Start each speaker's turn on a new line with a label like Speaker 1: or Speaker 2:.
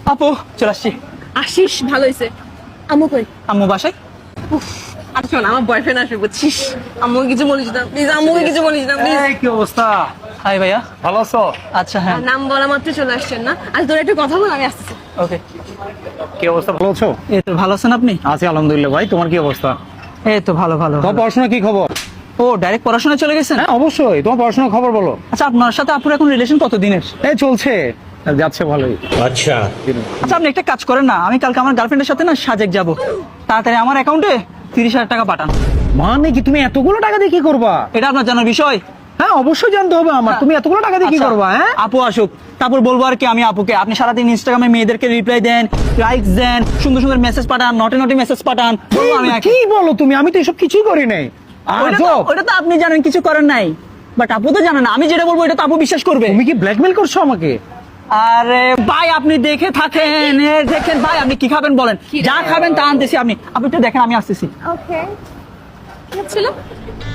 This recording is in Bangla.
Speaker 1: আপু চলে আসছি।
Speaker 2: আসিস, ভালো হয়েছে। আম্মু কই?
Speaker 1: আম্মু বাসায়।
Speaker 2: আর শোন, আমার বয়ফ্রেন্ড আসবে বুঝছিস। আম্মুকে কিছু বলিস না প্লিজ, আম্মুকে কিছু বলিস না প্লিজ।
Speaker 3: কি অবস্থা?
Speaker 1: হাই ভাইয়া,
Speaker 3: ভালো আছো?
Speaker 1: আচ্ছা হ্যাঁ
Speaker 2: নাম বলা মাত্র চলে আসছেন না? আজ তোর একটু কথা বল, আমি আসতেছি।
Speaker 1: ওকে।
Speaker 3: কি অবস্থা, ভালো আছো?
Speaker 1: এই তো ভালো আছেন আপনি?
Speaker 3: আছি আলহামদুলিল্লাহ। ভাই তোমার কি অবস্থা?
Speaker 1: এই তো ভালো ভালো
Speaker 3: তোমার
Speaker 1: ভালো।
Speaker 3: পড়াশোনা কি খবর?
Speaker 1: ও ডাইরেক্ট পড়াশোনা চলে গেছেন?
Speaker 3: হ্যাঁ অবশ্যই, তোমার পড়াশোনার খবর বলো।
Speaker 1: আচ্ছা আপনার সাথে আপুর এখন রিলেশন কত দিনের?
Speaker 3: এই চলছে, যাচ্ছে ভালোই।
Speaker 1: আচ্ছা আপনি একটা কাজ করেন না, আমি কালকে আমার গার্লফ্রেন্ডের সাথে না সাজেক যাব, তাড়াতাড়ি আমার অ্যাকাউন্টে 30,000 টাকা পাঠান।
Speaker 3: মানে কি তুমি এতগুলো টাকা দিয়ে কি করবা?
Speaker 1: এটা আপনার জানার বিষয়।
Speaker 3: হ্যাঁ অবশ্যই জানতে হবে আমার, তুমি এতগুলো টাকা দিয়ে কি
Speaker 1: আচ্ছা,
Speaker 3: করবা? হ্যাঁ
Speaker 1: আপু আসুক তারপর বলবো আর কি। আমি আপুকে, আপনি সারাদিন ইনস্টাগ্রামে মেয়েদেরকে রিপ্লাই দেন, লাইকস দেন, সুন্দর সুন্দর মেসেজ পাঠান, নটি নটি মেসেজ পাঠান, বলবো আমি আর কি।
Speaker 3: কি বলো তুমি? আমি তো এসব কিছুই করি নাই।
Speaker 1: ওটা তো আপনি জানেন কিছু করেন নাই, বাট আপু তো জানেন না। আমি যেটা বলবো এটা তো আপু বিশ্বাস করবে।
Speaker 3: তুমি কি ব্ল্যাকমেল করছো আমাকে?
Speaker 1: আরে ভাই আপনি দেখে থাকেন, দেখেন ভাই আপনি কি খাবেন বলেন, যা খাবেন তা আনতেছি। আপনি একটু দেখেন, আমি আসতেছি।
Speaker 2: ওকে, কি ছিল?